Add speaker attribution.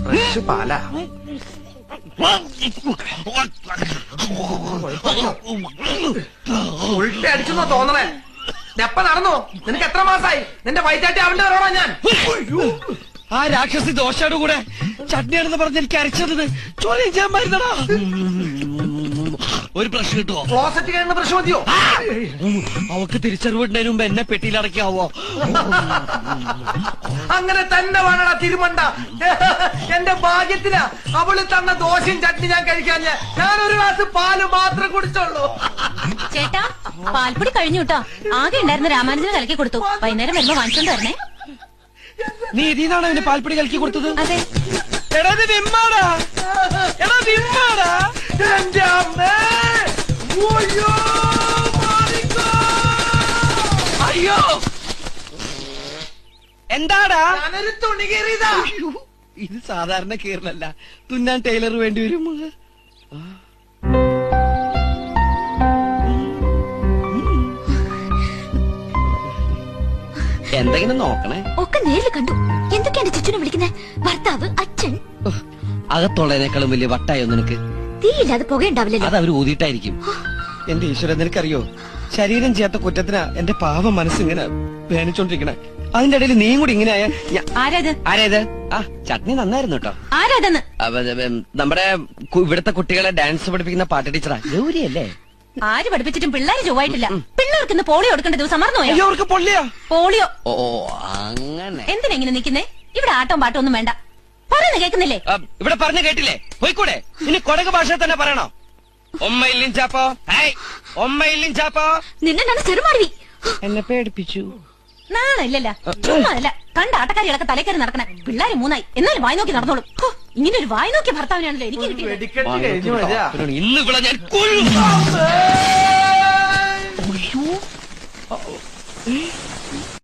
Speaker 1: Fresh Pala. ഉൾട്ടി അടിച്ചെന്നോ തോന്നണേ. എപ്പ നടന്നു? നിനക്ക് എത്ര മാസായി? നിന്റെ വയറ്റാട്ടി അവന്റെ വരോടാ ഞാൻ.
Speaker 2: ആ രാക്ഷസി ദോശയുടെ കൂടെ ചട്നിയാണെന്ന് പറഞ്ഞ് എനിക്ക് അരച്ചത് ചോദ്യം ചെയ്യാൻ മരുന്നടാ. ഒരു ബ്രഷ് കിട്ടുമോ?
Speaker 1: ക്ലോസറ്റ് കഴിയുന്ന ബ്രഷ് മതിയോ?
Speaker 2: അവക്ക് തിരിച്ചറിവിടുന്നതിന് മുമ്പ് എന്നെ പെട്ടിയിലടക്കാവോ?
Speaker 1: അങ്ങനെ തന്നെ വേണടാ തിരുമണ്ട. എന്റെ ഭാഗ്യത്തിനാ അവള് തന്ന ദോശയും ചട്നി ഞാൻ കഴിക്കാൻ. ഞാനൊരു ഗ്ലാസ് പാല് മാത്രം കുടിച്ചോളൂ.
Speaker 3: ചേട്ടാ, പാൽപ്പൊടി കഴിഞ്ഞു കേട്ടോ. ആകെ ഉണ്ടായിരുന്ന രാമാനുജന് കലക്കി കൊടുത്തു. വൈകുന്നേരം വരുമ്പോ വാങ്ങിച്ചോണ്ട് വരണേ.
Speaker 2: നീ ഇതിനാണ് അവന് പാൽപ്പൊടി കലക്കി കൊടുത്തത്?
Speaker 3: അതെ.
Speaker 2: എടാ ഇത് വിമ്മാടാ. എടാ വിമ്മാടാ.
Speaker 1: എന്റെ അമ്മേ.
Speaker 2: അയ്യോ എന്താടാ?
Speaker 1: ഞാനൊരു തുണി കീറിയതാ.
Speaker 2: ഇത് സാധാരണ കീറലല്ല, തുന്നാൻ ടൈലർ വേണ്ടി വരും. എന്തെങ്കിലും നോക്കണേ.
Speaker 3: ഒക്കെ നേരിൽ കണ്ടു. എന്തൊക്കെയാണ് ചുറ്റിനെ വിളിക്കുന്നത്? ഭർത്താവ്, അച്ഛൻ.
Speaker 2: അകത്തുള്ളതിനേക്കാളും വലിയ വട്ടായോ നിനക്ക്?
Speaker 3: തീയില്ലാതെ പുകയുണ്ടാവില്ലല്ലോ.
Speaker 2: അത് അവർ ഊതിയിട്ടായിരിക്കും. എന്റെ ഈശ്വരൻ, നിനക്കറിയോ, ശരീരം ചെയ്യാത്ത കുറ്റത്തിനാ എന്റെ പാവം മനസ്സിങ്ങനെ വേണിച്ചോണ്ടിരിക്കണേ. അതിന്റെ ഇടയിൽ നീയും കൂടി ഇങ്ങനെ ആയ. ആരേത്? ആ ചട്നി നന്നായിരുന്നു കേട്ടോ.
Speaker 3: ആരാതെന്ന്?
Speaker 2: നമ്മുടെ ഇവിടുത്തെ കുട്ടികളെ ഡാൻസ് പഠിപ്പിക്കുന്ന പാട്ട് ടീച്ചറാ, ഗൗരിയല്ലേ?
Speaker 3: ആര് പഠിപ്പിച്ചിട്ടും പിള്ളേര് ചൊവ്വായിട്ടില്ല. പിള്ളേർക്ക് ഇന്ന് പോളിയോ കൊടുക്കേണ്ട ദിവസം മറന്നുപോയോ?
Speaker 2: അവർക്ക്
Speaker 3: പോളിയോ.
Speaker 2: ഓ അങ്ങനെ.
Speaker 3: എന്തിനാ ഇങ്ങനെ നിക്കുന്നേ? ഇവിടെ ആട്ടവും പാട്ടവും ഒന്നും വേണ്ട. പറയുന്ന കേൾക്കുന്നില്ലേ?
Speaker 2: ഇവിടെ പറഞ്ഞു കേട്ടില്ലേ? പോയിക്കൂടെ? ഇനി കൊടക് ഭാഷ തന്നെ പറയണോ? ഒമ്മയില്ലും ചാപ്പോ, ഒമ്മയില്ലും ചാപ്പോ.
Speaker 3: നിന്നെ ഞാൻ ചെറുമാറി.
Speaker 2: എന്നെ പേടിപ്പിച്ചു.
Speaker 3: നാണല്ല. ചുമ്മാതല്ല. കണ്ട ആട്ടക്കാരികളൊക്കെ തലക്കറി നടക്കണേ. പിള്ളേര് 3 എന്നാലും വായി നോക്കി നടന്നോളും. ഇങ്ങനെ ഒരു വായി നോക്കിയ ഭർത്താവിനാണല്ലോ എനിക്ക് കിട്ടിയത്.
Speaker 2: ഇന്ന് ഇവിടെ ഞാൻ